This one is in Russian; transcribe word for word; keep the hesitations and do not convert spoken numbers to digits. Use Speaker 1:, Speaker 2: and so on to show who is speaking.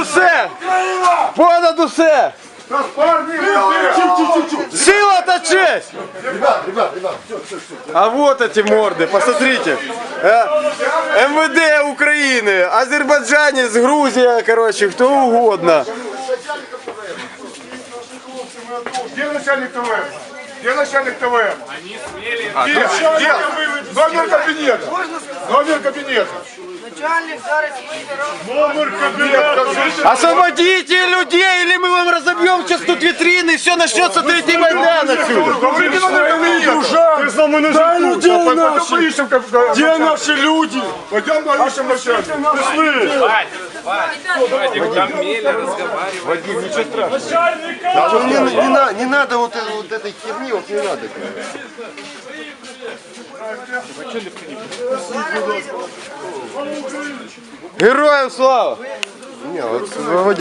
Speaker 1: усе! Понад усе! Сила та честь!
Speaker 2: Ребят, ребят, ребят, все, все, все.
Speaker 1: А вот эти морды, посмотрите. Э, эм вэ дэ Украины, азербайджанец, Грузия, короче, кто угодно.
Speaker 2: Где начальник ТВ? Где начальник ТВ?
Speaker 3: Они смели.
Speaker 2: Где? Где? Номер кабинета. Номер кабинета.
Speaker 4: Начальник зараз
Speaker 2: Номер кабинета.
Speaker 1: Освободите людей, или мы вам разобьем сейчас тут витрины, и все начнется третий Майдан отсюда.
Speaker 2: Говорите номер кабинета. Ты с нами на
Speaker 5: Дай людей наши.
Speaker 2: поищем.
Speaker 5: Где наши люди?
Speaker 2: Пойдем поищем начальника. Пошли.
Speaker 3: Вадик, там Мели разговаривает.
Speaker 1: Вадим, ничего страшного.
Speaker 2: Не, не, на- не надо вот, э- вот этой херни, вот не надо.
Speaker 1: Героям слава!
Speaker 2: Не, вот,